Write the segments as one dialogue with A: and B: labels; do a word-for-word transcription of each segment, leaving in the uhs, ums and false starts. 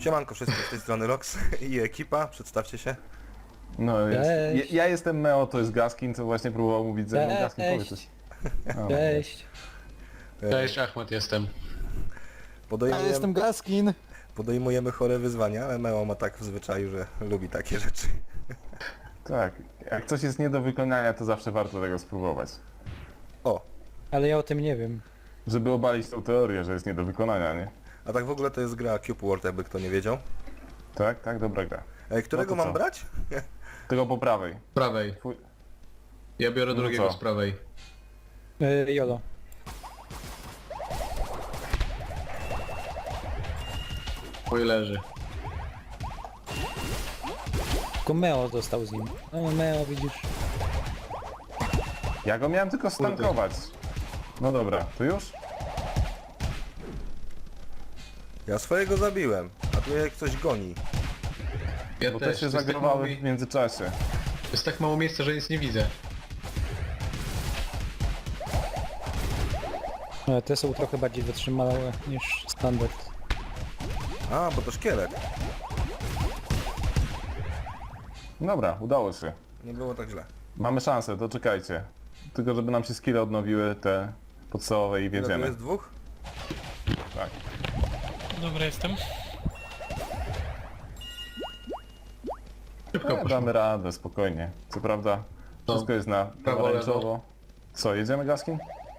A: Siemanko wszystkim, z tej strony Rox i ekipa, przedstawcie się.
B: No, jest,
C: Cześć.
B: ja, ja jestem Meo, to jest Gaskin, co właśnie próbował mówić ze mną.
C: Cześć.
B: Gaskin, powiedz coś. O,
C: Cześć.
D: Cześć, Achmed jestem.
C: Ja
A: Podejmujemy,
C: jestem Gaskin.
A: podejmujemy chore wyzwania, ale Meo ma tak w zwyczaju, że lubi takie rzeczy.
B: Tak, jak coś jest nie do wykonania, to zawsze warto tego spróbować.
A: O,
C: Ale ja o tym nie wiem.
B: Żeby obalić tą teorię, że jest nie do wykonania, nie?
A: a tak w ogóle to jest gra Cube World, jakby kto nie wiedział.
B: Tak, tak, dobra gra.
A: Ej, którego
B: No to
A: mam
B: co?
A: brać?
B: Tego po prawej.
D: Z prawej.
B: Twój...
D: Ja biorę
B: No
D: drugiego
B: co?
D: z prawej.
C: Yy, Jolo.
D: Mój leży.
C: Tylko Meo dostał z nim. No Meo, widzisz.
B: Ja go miałem tylko stankować. No dobra, to już?
A: Ja swojego zabiłem, a tu jak ktoś goni.
D: Ja
B: Bo
D: też.
B: te się
D: To jest, tak mało,
B: zagrowały
D: mi-
B: w międzyczasie.
D: to jest tak mało miejsca, że nic nie widzę.
C: Ale te są trochę bardziej wytrzymałe niż standard.
A: A, bo to szkielet.
B: Dobra, udało się.
A: Nie było tak źle.
B: Mamy szansę, to czekajcie. Tylko żeby nam się skille odnowiły, te podstawowe i
A: Ile tu
B: wiedziemy.
A: jest dwóch?
B: Tak.
E: Dobra, jestem.
D: Szybko
B: E,
D: poszło.
B: damy radę, spokojnie. Co prawda, wszystko jest na
D: Prawo,
B: pomarańczowo. Co, jedziemy, Gaskin?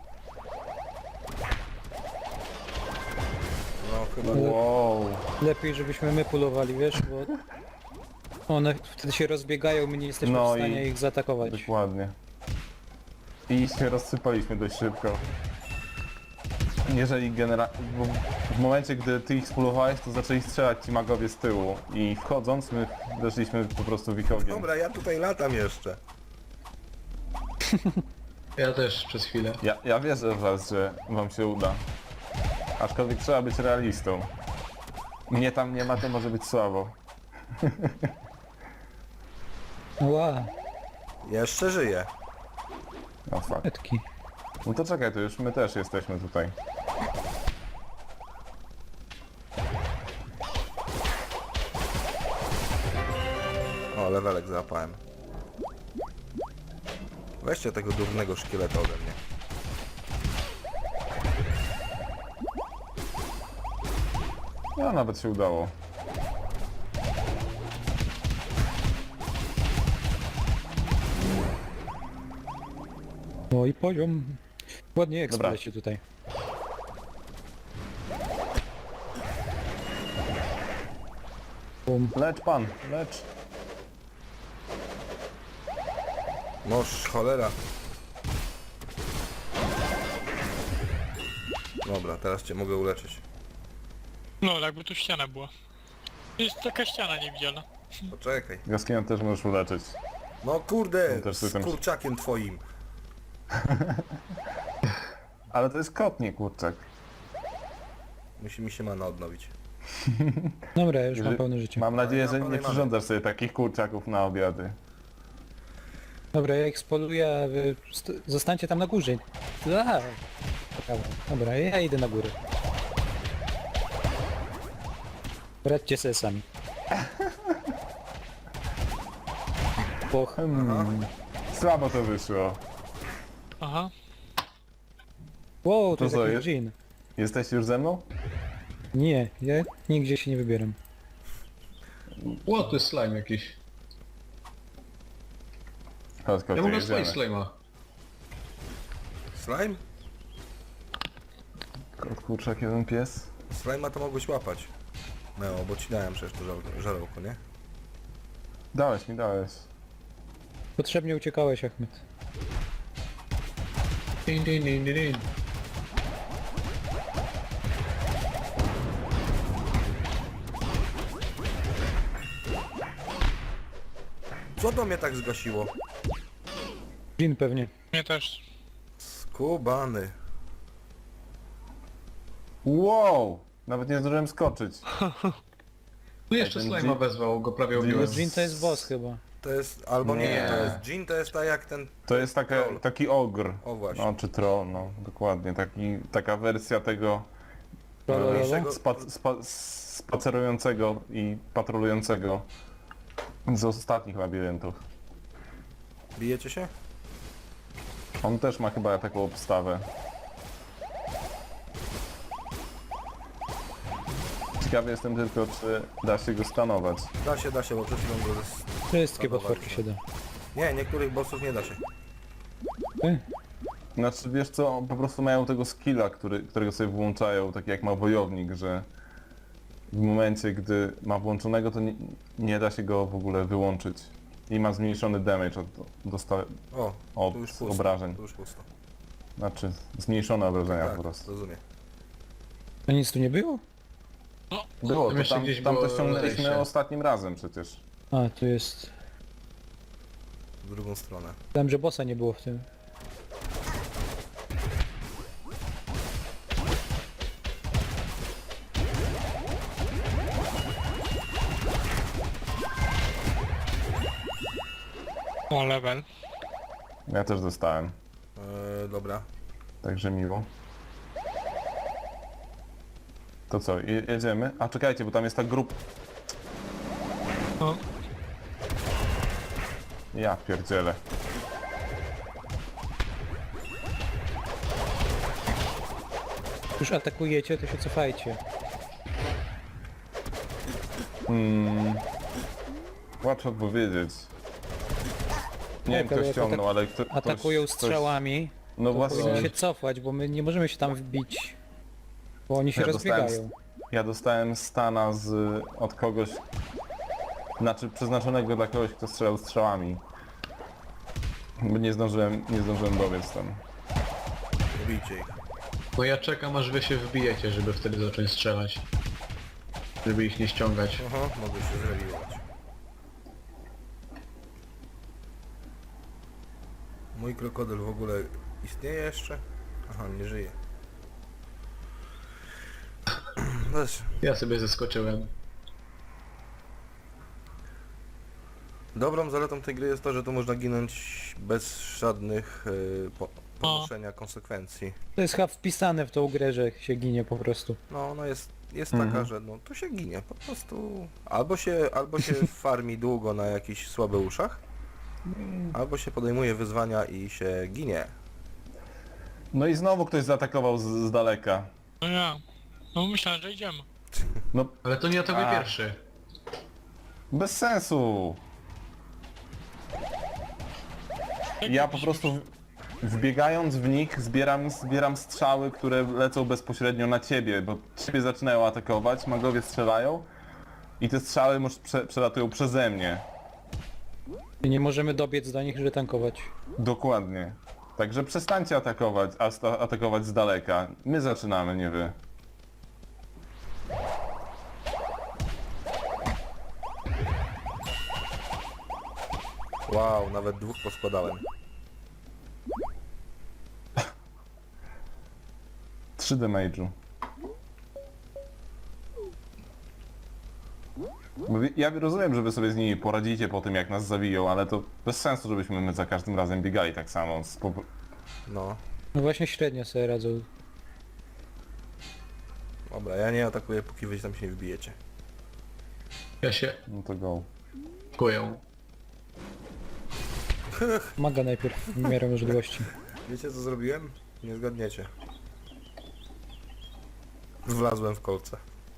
A: No chyba.
B: Wow.
C: Lepiej, żebyśmy my pulowali, wiesz, bo one wtedy się rozbiegają, my nie jesteśmy
B: No
C: w stanie
B: i-
C: ich zaatakować.
B: Dokładnie. I się rozsypaliśmy dość szybko. Jeżeli genera... bo w momencie, gdy ty ich spulowałeś, to zaczęli strzelać ci magowie z tyłu. I wchodząc, my weszliśmy po prostu w ich ogień.
A: Dobra, ja tutaj latam jeszcze.
D: Ja też przez chwilę.
B: Ja, ja wierzę w was, że wam się uda. Aczkolwiek trzeba być realistą. Mnie tam nie ma, to może być słabo.
C: Ła,
A: Jeszcze żyję.
B: No fuck.
C: etki.
B: No to czekaj, to już my też jesteśmy tutaj.
A: O, lewelek załapałem. Weźcie tego durnego szkieleta ode mnie.
B: No nawet się udało.
C: No i poziom. Ładnie
B: Dobra.
C: eksplecie tutaj. Bum.
B: Lecz pan, lecz.
A: Noż, cholera. Dobra, teraz cię mogę uleczyć.
E: No, jakby tu ściana była. Jest taka ściana niewidzialna.
A: Poczekaj.
B: Gaskina też możesz uleczyć.
A: No kurde,
B: No też
A: z
B: system-
A: kurczakiem twoim.
B: Ale to jest kot, nie kurczak.
A: Musi mi się mana odnowić.
C: Dobra, już mam
B: Że-
C: pełne życie.
B: Mam nadzieję,
A: ja
B: że
A: mam
B: nie
A: pełnej
B: przyrządzasz sobie takich kurczaków na obiady.
C: Dobra, ja ich spoluję, a wy st- zostańcie tam na górze. Aha. Dobra, Dobra, ja idę na górę. Radźcie sobie sami. Poch.
B: Hmm. Słabo to wyszło.
E: Aha.
C: Wow, to
B: To
C: jest
B: co
C: jakiś
B: jest?
C: dżin.
B: Jesteś już ze mną?
C: Nie, ja nigdzie się nie wybieram.
D: Ło, to jest slime jakiś.
B: Chodź,
D: Ja
B: kocie,
D: mogę
B: jedziemy.
D: swoich slime'a.
A: Slime?
B: Kot, kurczak, jeden pies.
A: Slime'a to mogłeś łapać. No, bo ci dałem przecież to żar- żarełko, nie?
B: Dałeś mi, dałeś.
C: Potrzebnie uciekałeś, Achmed.
D: Din, din, din, din, din.
A: Co to mnie tak zgasiło?
C: Dżin pewnie.
E: Mnie też.
A: Skubany.
B: Wow! Nawet nie zdążyłem skoczyć.
D: Tu jeszcze
B: ten
D: slime'a
B: dżin-
D: wezwał, go prawie
B: dżin
D: ubiłem.
B: jest-
C: Dżin to jest boss chyba.
A: To jest, albo nie,
B: Nie.
A: to jest Jin, to jest tak jak ten...
B: To jest taka,
A: Troll.
B: taki ogr.
A: O właśnie.
B: No, czy troll, no, dokładnie. Taki, taka wersja tego
C: Lolo,
A: Mniejszego-
B: Spa, spa, spacerującego i patrolującego z ostatnich labiryntów.
A: Bijecie się?
B: On też ma chyba taką obstawę. Ciekawy jestem tylko, czy da się go stanować.
A: Da się, da się, bo przed chwilą go... zes-
C: Wszystkie
A: Stanować,
C: potworki
A: no.
C: się da.
A: Nie, niektórych bossów nie da się.
C: Ty?
B: Znaczy, wiesz co, po prostu mają tego skilla, który, którego sobie włączają, tak jak ma wojownik, że w momencie, gdy ma włączonego, to nie, nie da się go w ogóle wyłączyć. I ma zmniejszony damage od, dosta,
A: O,
B: od
A: tu już pusto.
B: obrażeń.
A: Tu już pusto.
B: Znaczy, zmniejszone obrażenia
A: Tak,
B: po prostu.
A: rozumiem.
C: A nic tu nie było?
B: Było,
D: Tam
B: to
D: jeszcze
B: tam,
D: gdzieś
B: tam
D: było
B: to ściągnęliśmy
D: zejście.
B: ostatnim razem przecież.
C: A, tu jest...
A: W drugą stronę.
C: Tam, że bossa nie było w tym.
E: O, level.
B: Ja też dostałem,
A: Eee, dobra.
B: także miło. To co, je- jedziemy? A czekajcie, bo tam jest ta grupa...
E: O,
B: Ja pierdzielę.
C: Już atakujecie, to się cofajcie.
B: Hmm. Łatwo powiedzieć. Nie wiem
C: Tak, ale
B: kto
C: jak
B: ściągnął, ale kto, ktoś...
C: Atakują
B: ktoś-
C: strzałami,
B: No
C: to powinni
B: właśnie,
C: się cofać, bo my nie możemy się tam wbić. Bo oni się
B: Ja dostałem
C: rozbiegają.
B: ja dostałem stana z, od kogoś... Znaczy przeznaczonego dla kogoś, kto strzelał strzałami. Bo nie zdążyłem, nie zdążyłem dobiec tam.
A: Nie bijcie ich.
D: No ja czekam aż wy się wbijecie, żeby wtedy zacząć strzelać. Żeby ich nie ściągać.
A: Aha, mogę się zrewiłować. Mój krokodyl w ogóle istnieje jeszcze? Aha, nie żyje. Weź.
D: Ja sobie zeskoczyłem.
A: Dobrą zaletą tej gry jest to, że tu można ginąć bez żadnych y, po, ponoszenia konsekwencji.
C: To jest chyba wpisane w tą grę, że się ginie po prostu.
A: No ona jest, jest
B: Mhm.
A: taka, że no to się ginie, po prostu albo się, albo się farmi długo na jakichś słabych uszach, albo się podejmuje wyzwania i się ginie.
B: No i znowu ktoś zaatakował z, z daleka.
E: no ja. No myślałem, że idziemy.
B: No
D: Ale to nie atakuj
B: A.
D: pierwszy.
B: bez sensu.
E: Jak
B: Ja
E: my
B: po
E: byśmy
B: prostu wbiegając w nich zbieram, zbieram strzały, które lecą bezpośrednio na ciebie, bo ciebie zaczynają atakować, magowie strzelają i te strzały może prze, przelatują przeze mnie.
C: I nie możemy dobiec do nich, żeby tankować.
B: Dokładnie. Także przestańcie atakować, a sta- atakować z daleka. My zaczynamy, nie wy.
A: Wow, nawet dwóch poskładałem.
B: trzy damage'u. Bo wi- ja rozumiem, że wy sobie z nimi poradzicie po tym, jak nas zawiją, ale to bez sensu, żebyśmy my za każdym razem biegali tak samo. Z po-
A: No,
C: No właśnie średnio sobie radzą.
A: dobra, ja nie atakuję, póki wy tam się nie wbijecie.
D: Ja się
B: No to go.
D: kuję.
C: Maga najpierw w miarę możliwości.
A: Wiecie co zrobiłem? Nie zgadniecie. Wlazłem w kolce.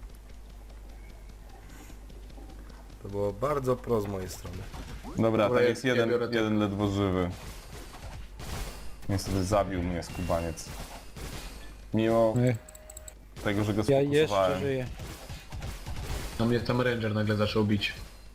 A: To było bardzo pro z mojej strony.
B: Dobra,
D: Dobra,
B: tam
D: ja-
B: jest
D: ja
B: jeden,
D: biorę to.
B: jeden ledwo żywy. Niestety zabił mnie skubaniec. Mimo
C: Nie,
B: tego, że go
C: ja jeszcze
B: sfokusowałem.
C: żyję.
D: Na mnie tam ranger nagle zaczął bić.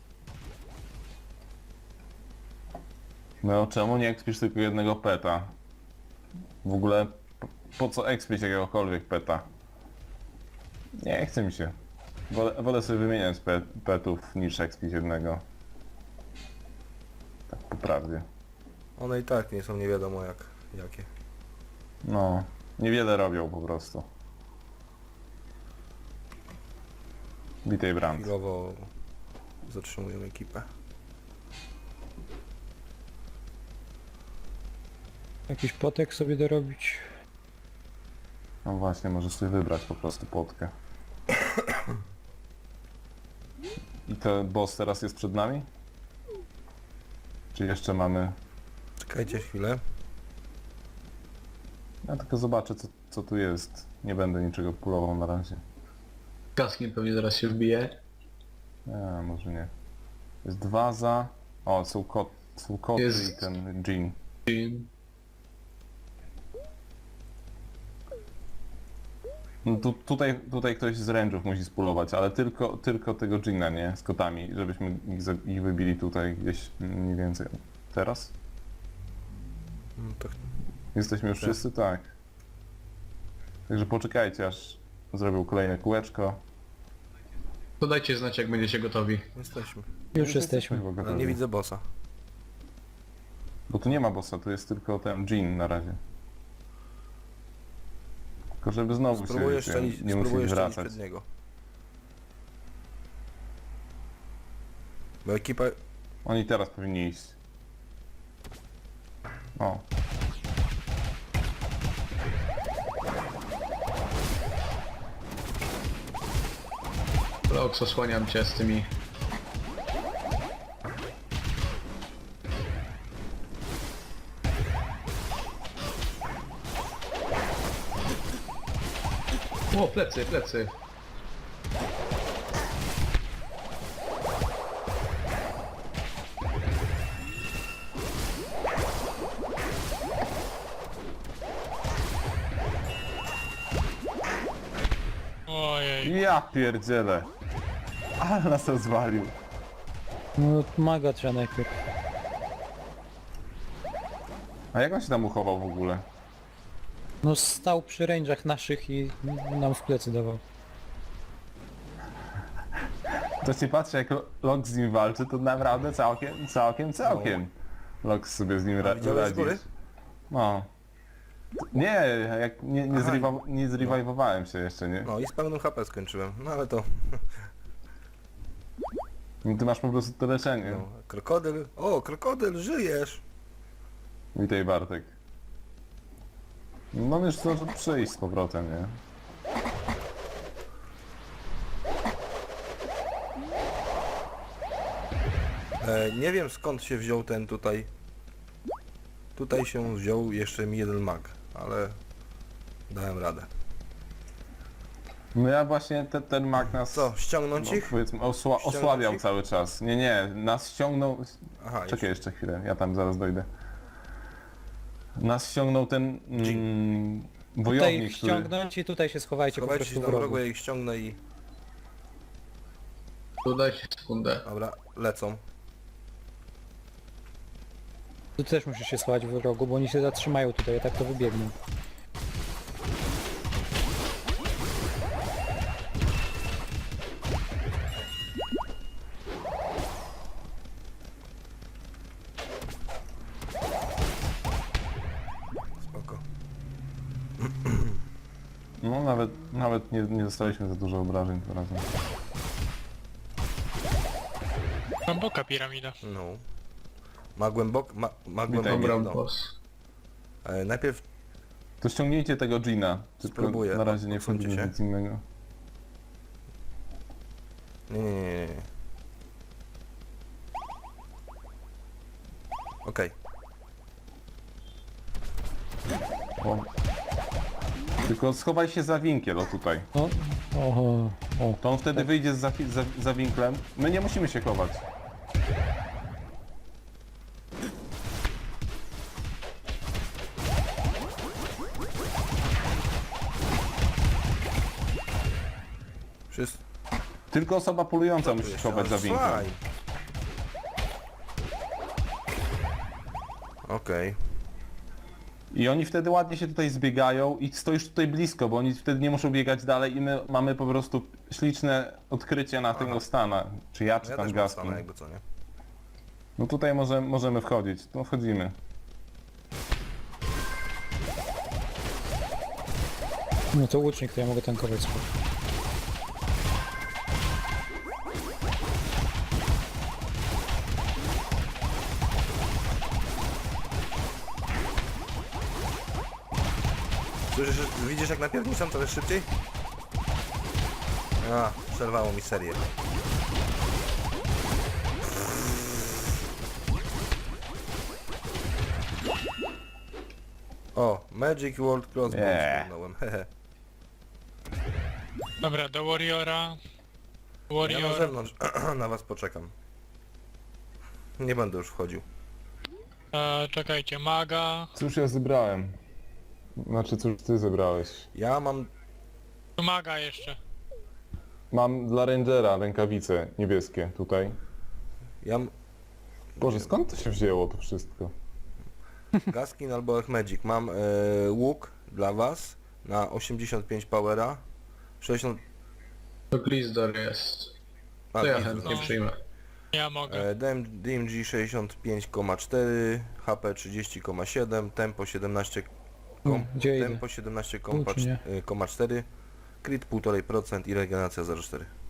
B: No czemu nie ekspisz tylko jednego peta? W ogóle po, po co ekspić jakiegokolwiek peta? Nie chce mi się. Wolę, wolę sobie wymieniać pe, petów niż ekspić jednego. Tak po prawdzie.
A: One i tak nie są nie wiadomo jak, jakie.
B: No, niewiele robią po prostu. Bitej brand.
A: Chwilowo zatrzymują ekipę.
C: Jakiś potek sobie dorobić.
B: No właśnie, możesz sobie wybrać po prostu potkę. I ten boss teraz jest przed nami? Czy jeszcze mamy...
A: Czekajcie chwilę.
B: Ja tylko zobaczę co, co tu jest. Nie będę niczego pulował na razie.
D: Kaskiem pewnie zaraz się wbije.
B: A, może nie. Jest waza. O, są, kot, są koty
D: Jest-
B: i ten Jean.
D: I
B: No tu, tutaj, tutaj ktoś z range'ów musi spulować, ale tylko, tylko tego Jeana, nie? Z kotami, żebyśmy ich, za- ich wybili tutaj gdzieś mniej więcej. Teraz?
A: No to
B: Jesteśmy już
A: Tak.
B: wszyscy? Tak. Także poczekajcie aż zrobił kolejne kółeczko.
D: to dajcie znać jak będziecie gotowi.
A: jesteśmy.
C: Już jesteśmy.
B: chyba
A: Ale
B: gotowi.
A: nie widzę bossa.
B: Bo tu nie ma bossa, tu jest tylko ten Jean na razie. Tylko żeby znowu
A: Spróbuję
B: się
A: szczelić,
B: nie
A: spróbuję
B: musieli
A: szczelić
B: wracać.
A: przed niego. Bo ekipa...
B: Oni teraz powinni iść. O.
D: Lox, osłaniam cię z tymi... O, plecy, plecy.
E: Ojej.
B: Ja pierdzielę. Ale nas rozwalił.
C: No maga trzeba najpierw.
B: A jak on się tam uchował w ogóle?
C: No stał przy range'ach naszych i nam w plecy dawał.
B: To się patrzy jak Lox z nim walczy, to naprawdę całkiem, całkiem, całkiem. Lox sobie z nim ra-
A: widziałeś z góry?
B: radzi. No. Nie, jak nie, nie,
A: Aha.
B: zrewa- nie zrewajwowałem się jeszcze, nie?
A: No i z pełnym H P skończyłem. No ale to...
B: No, ty masz po prostu to leczenie.
A: No, krokodyl... O, krokodyl, żyjesz!
B: Witaj Bartek. No już zdążył przyjść z powrotem, nie?
A: E, nie wiem skąd się wziął ten tutaj... Tutaj się wziął jeszcze mi jeden mag, ale... Dałem radę.
B: No ja właśnie te, ten mag nas...
A: Co, ściągnąć
B: no,
A: ich?
B: powiedzmy, osła-
A: Ściągnąć
B: osłabiał
A: ich?
B: cały czas. Nie, nie, nas ściągnął...
A: Aha,
B: Czekaj jeszcze chwilę, ja tam zaraz dojdę. Nas ściągnął ten mm,
C: Tutaj
B: wojownik,
C: ich
B: który...
C: ściągnąć i tutaj się schowajcie po
A: Schowajcie się
C: prostu w
A: tam w
C: rogu.
A: rogu, ja ich ściągnę i...
D: Tu dajcie sekundę.
A: Dobra, lecą.
C: Tu też musisz się schować w rogu, bo oni się zatrzymają tutaj, a tak to wybiegną.
A: Spoko.
B: No nawet, nawet nie, nie dostaliśmy za dużo obrażeń tym razem.
E: Głęboka piramida.
A: No. Ma głębok... Ma, ma
B: Witaj,
A: głębokie
D: Dobra,
A: dno.
D: boss.
A: E, najpierw...
B: To ściągnijcie tego Gina. Tylko
A: Spróbuję,
B: na razie nie
A: odsuńcie
B: wchodzimy
A: się.
B: nic innego.
A: Nie, nie, nie, nie, nie. Okej.
B: O. Tylko schowaj się za winkiel, o tutaj.
C: O, oho, o.
B: To on wtedy wyjdzie za, za, za winklem. My nie musimy się chować.
A: Wszyscy...
B: Tylko osoba polująca musi się chować za winklem.
A: Słuchaj. Okej.
B: I oni wtedy ładnie się tutaj zbiegają i stoisz tutaj blisko, bo oni wtedy nie muszą biegać dalej i my mamy po prostu śliczne odkrycie na tego stana. Czy ja, czy
A: Ja
B: tam
A: też mam
B: Gaspin.
A: stanę, jakby co, nie?
B: No tutaj może, możemy wchodzić. No wchodzimy.
C: No to łucznik, to ja mogę tankować spoko.
A: Słyszysz, widzisz jak napierniczam coraz szybciej? A, przerwało mi serię. O, Magic World Crossbow
B: Nie.
A: ściągnąłem, hehe.
E: Dobra, do Warriora.
A: Ja na
E: Warrior.
A: zewnątrz na was poczekam. Nie będę już wchodził.
E: E, czekajcie, maga.
B: Cóż ja zebrałem? Znaczy, cóż ty zebrałeś?
A: Ja mam...
E: Tu maga jeszcze.
B: Mam dla Rangera rękawice niebieskie tutaj.
A: Ja mam
B: Boże, skąd to się wzięło to wszystko?
A: Gaskin albo Echmagic. Mam e, łuk dla was na osiemdziesiąt pięć powera. sześćdziesiąt...
D: To Glizdor jest.
A: A,
D: To ja
A: nie,
D: chętnie
A: to-
D: przyjmę.
E: Ja mogę.
A: E, D M G sześćdziesiąt pięć przecinek cztery, H P trzydzieści przecinek siedem, tempo siedemnaście kom,
C: Gdzie idę?
A: tempo siedemnaście
C: Tu czy nie?
A: przecinek cztery, crit półtora procent i regeneracja zero przecinek cztery.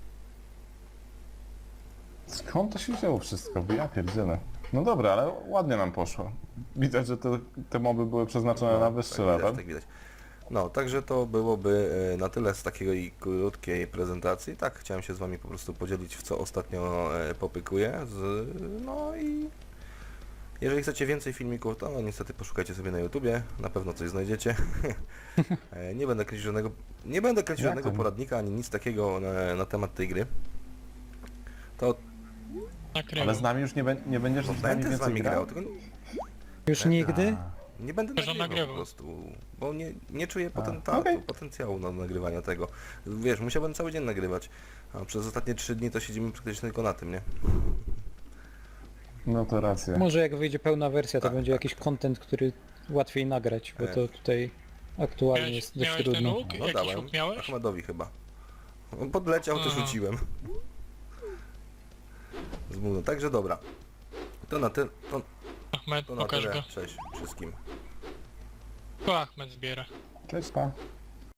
B: Skąd to się wzięło wszystko? Bo ja pierdzielę. No dobra, ale ładnie nam poszło. Widać, że te, te moby były przeznaczone na wyższy
A: tak widać,
B: level.
A: tak widać. No, także to byłoby e, na tyle z takiej krótkiej prezentacji. Tak, chciałem się z wami po prostu podzielić, w co ostatnio e, popykuję. Z, no i jeżeli chcecie więcej filmików, to no, niestety poszukajcie sobie na YouTubie, na pewno coś znajdziecie. E, nie będę kręcił żadnego, nie będę kręcił
B: Jak
A: żadnego
B: to?
A: poradnika, ani nic takiego na, na temat tej gry. To
E: Nakrywam.
B: Ale z nami już nie, bę- nie będziesz
A: no,
B: z nami
A: będę z
B: więcej
A: wami
B: grał?
A: grał, tylko
C: Już nigdy?
A: nie będę
E: Że
A: nagrywał,
E: nagrywał.
A: po prostu, bo nie, nie czuję
B: A,
A: potentatu,
B: okej.
A: potencjału na nagrywania tego. Wiesz, musiałbym cały dzień nagrywać, a przez ostatnie trzy dni to siedzimy praktycznie tylko na tym, nie?
B: No to racja.
C: Może jak wyjdzie pełna wersja, to
A: Tak,
C: będzie
A: tak.
C: jakiś content, który łatwiej nagrać, bo
A: E.
C: to tutaj aktualnie
E: Miałeś,
C: jest dość
E: miałeś ten
C: trudno.
E: łuk?
A: No
E: Jakiś
A: dałem,
E: łuk miałeś?
A: Ahmedowi chyba. On podleciał, to
E: Aha.
A: rzuciłem. Zmówno, także dobra. To na, ty, to,
E: Ahmed,
A: to na
E: pokaż
A: tyle,
E: go.
A: cześć wszystkim.
E: To Ahmed zbiera.
B: Cześć, pa.